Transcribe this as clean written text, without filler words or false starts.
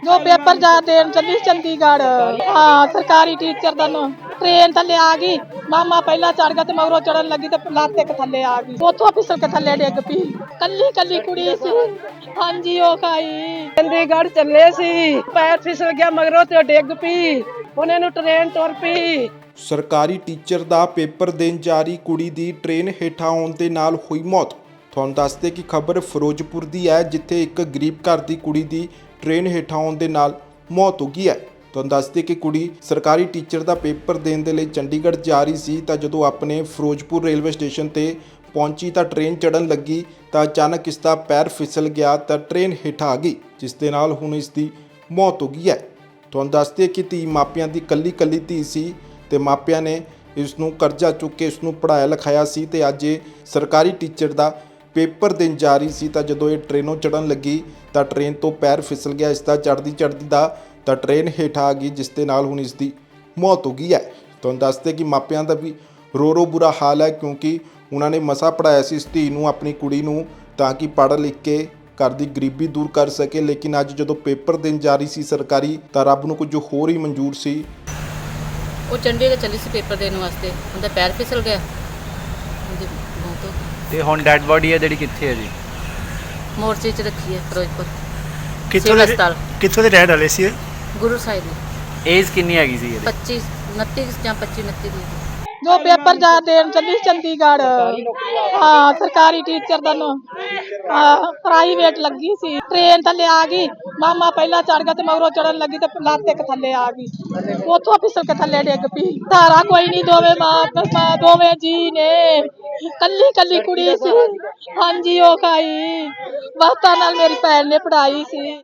ਜੋ ਪੇਪਰ ਜਾ ਦੇਣ ਚੱਲੀ ਚੰਡੀਗੜ੍ਹ। ਹਾਂ ਸਰਕਾਰੀ ਟੀਚਰ ਦਾ ਟ੍ਰੇਨ ਥੱਲੇ ਆ ਗਈ। ਮਾਮਾ ਪਹਿਲਾਂ ਚੜ ਗਿਆ ਤੇ ਮਗਰੋਂ ਚੜਨ ਲੱਗੀ ਤੇ ਲੱਤ ਇੱਕ ਥੱਲੇ ਆ ਗਈ। ਉੱਥੋਂ ਫਿਸਲ ਕੇ ਥੱਲੇ ਡਿੱਗ ਪਈ। ਕੱਲੀ ਕੱਲੀ ਕੁੜੀ ਸੀ। ਹਾਂਜੀ ਉਹ ਖਾਈ ਚੰਡੀਗੜ੍ਹ ਚੱਲੇ ਸੀ, ਪੈਰ ਫਿਸਲ ਗਿਆ ਮਗਰੋਂ ਤੇ ਡਿੱਗ ਪਈ। ਉਹਨੇ ਨੂੰ ਟ੍ਰੇਨ ਤੁਰ ਪਈ। ਸਰਕਾਰੀ ਟੀਚਰ ਦਾ ਪੇਪਰ ਦੇਣ ਜਾ ਰਹੀ ਕੁੜੀ ਦੀ ਟ੍ਰੇਨ ਹੇਠਾਂ ਆਉਣ ਦੇ ਨਾਲ ਹੋਈ ਮੌਤ। ਤੁਹਾਨੂੰ ਦੱਸਦੇ ਕਿ ਖਬਰ ਫਿਰੋਜ਼ਪੁਰ ਦੀ ਹੈ, ਜਿੱਥੇ ਇੱਕ ਗਰੀਬ ਘਰ ਦੀ ਕੁੜੀ ਦੀ ਟ੍ਰੇਨ ਹੇਠਾਂ ਆਉਣ ਦੇ ਨਾਲ ਮੌਤ ਹੋ ਗਈ ਹੈ। ਤੁਹਾਨੂੰ ਦੱਸਦੇ ਕਿ ਕੁੜੀ ਸਰਕਾਰੀ ਟੀਚਰ ਦਾ ਪੇਪਰ ਦੇਣ ਦੇ ਲਈ ਚੰਡੀਗੜ੍ਹ ਜਾ ਰਹੀ ਸੀ ਤਾਂ ਜਦੋਂ ਆਪਣੇ ਫਿਰੋਜ਼ਪੁਰ ਰੇਲਵੇ ਸਟੇਸ਼ਨ ਤੇ ਪਹੁੰਚੀ ਤਾਂ ਟ੍ਰੇਨ ਚੜਨ ਲੱਗੀ ਤਾਂ ਅਚਾਨਕ ਇਸ ਦਾ ਪੈਰ ਫਿਸਲ ਗਿਆ ਤਾਂ ਟ੍ਰੇਨ ਹੇਠਾਂ ਆ ਗਈ, ਜਿਸ ਦੇ ਨਾਲ ਹੁਣ ਇਸ ਦੀ ਮੌਤ ਹੋ ਗਈ ਹੈ। ਤੁਹਾਨੂੰ ਦੱਸਦੇ ਕਿ ਧੀ ਮਾਪਿਆਂ ਦੀ ਕੱਲੀ ਧੀ ਸੀ ਤੇ ਮਾਪਿਆਂ ਨੇ ਇਸ ਨੂੰ ਕਰਜ਼ਾ ਚੁੱਕ ਕੇ ਇਸ ਨੂੰ ਪੜ੍ਹਾਇਆ ਲਿਖਾਇਆ ਸੀ ਤੇ ਅੱਜ ਇਹ ਸਰਕਾਰੀ ਟੀਚਰ ਦਾ ਪੇਪਰ ਦੇਣ ਜਾ ਰਹੀ ਸੀ ਤਾਂ ਜਦੋਂ ਇਹ ਟ੍ਰੇਨੋਂ ਚੜਨ ਲੱਗੀ ਤਾਂ ਟ੍ਰੇਨ ਤੋਂ ਪੈਰ ਫਿਸਲ ਗਿਆ ਇਸ ਦਾ। ਚੜਦੀ ਦਾ ਤਾਂ ਟ੍ਰੇਨ ਹੇਠਾਂ ਆ ਗਈ, ਜਿਸ ਦੇ ਨਾਲ ਹੁਣ ਇਸ ਦੀ ਮੌਤ ਹੋ ਗਈ ਹੈ। ਤੁਹਾਨੂੰ ਦੱਸਦੇ ਕਿ ਮਾਪਿਆਂ ਦਾ ਵੀ ਰੋ ਬੁਰਾ ਹਾਲ ਹੈ, ਕਿਉਂਕਿ ਉਹਨਾਂ ਨੇ ਮਸਾਂ ਪੜ੍ਹਾਇਆ ਸੀ ਇਸ ਧੀ ਨੂੰ, ਆਪਣੀ ਕੁੜੀ ਨੂੰ, ਤਾਂ ਕਿ ਪੜ੍ਹ ਲਿਖ ਕੇ ਘਰ ਦੀ ਗਰੀਬੀ ਦੂਰ ਕਰ ਸਕੇ। ਲੇਕਿਨ ਅੱਜ ਜਦੋਂ ਪੇਪਰ ਦੇਣ ਜਾ ਰਹੀ ਸੀ ਸਰਕਾਰੀ ਤਾਂ ਰੱਬ ਨੂੰ ਕੁਝ ਹੋਰ ਹੀ ਮਨਜ਼ੂਰ ਸੀ। ਉਹ ਚੰਡੀਗੜ੍ਹ ਚੱਲੀ ਸੀ ਪੇਪਰ ਦੇਣ ਵਾਸਤੇ, ਉਹਦਾ ਪੈਰ ਫਿਸਲ ਗਿਆ। ਉਹਦੀ ਮੌਤ ਹੋ ਗਈ। ਤੇ ਹੁਣ ਡੈਡ ਬੋਡੀ ਹੈ ਜਿਹੜੀ ਕਿੱਥੇ ਹੈ ਜੀ? ਮੋਰਚੇ 'ਚ ਰੱਖੀ ਹੈ ਫਿਰੋਜ਼ਪੁਰ ਕਿੱਥੋਂ ਦੇ ਰਹਿਣ ਵਾਲੇ ਸੀ ਇਹ? ਗੁਰੂ ਸਾਹਿਬ ਦੀ। ਏਜ ਕਿੰਨੀ ਹੈਗੀ ਸੀ ਇਹਦੀ? 25 29 ਜਾਂ 25 29 ਦੀ। ਜੋ ਪੇਪਰ ਜਾ ਦੇਣ ਚੱਲੀ ਚੰਡੀਗੜ੍ਹ। ਹਾਂ ਸਰਕਾਰੀ ਟੀਚਰ ਦਾ ਪ੍ਰਾਈਵੇਟ ਲੱਗੀ ਸੀ। ਟ੍ਰੇਨ ਥੱਲੇ ਆ ਗਈ। ਮਾਮਾ ਪਹਿਲਾਂ ਚੜ ਗਿਆ ਤੇ ਮਗਰੋਂ ਚੜਨ ਲੱਗੀ ਤੇ ਲੱਤ ਇੱਕ ਥੱਲੇ ਆ ਗਈ। ਉੱਥੋਂ ਫਿਸਲ ਕੇ ਥੱਲੇ ਡਿੱਗ ਪਈ। ਸਾਰਾ ਕੋਈ ਨਹੀਂ, ਦੋਵੇਂ ਜੀ ਨੇ। ਕੱਲੀ ਕੁੜੀ ਸੀ। ਹਾਂਜੀ ਉਹ ਖਾਈ ਵਕਤਾਂ ਨਾਲ ਮੇਰੀ ਭੈਣ ਨੇ ਪੜ੍ਹਾਈ ਸੀ।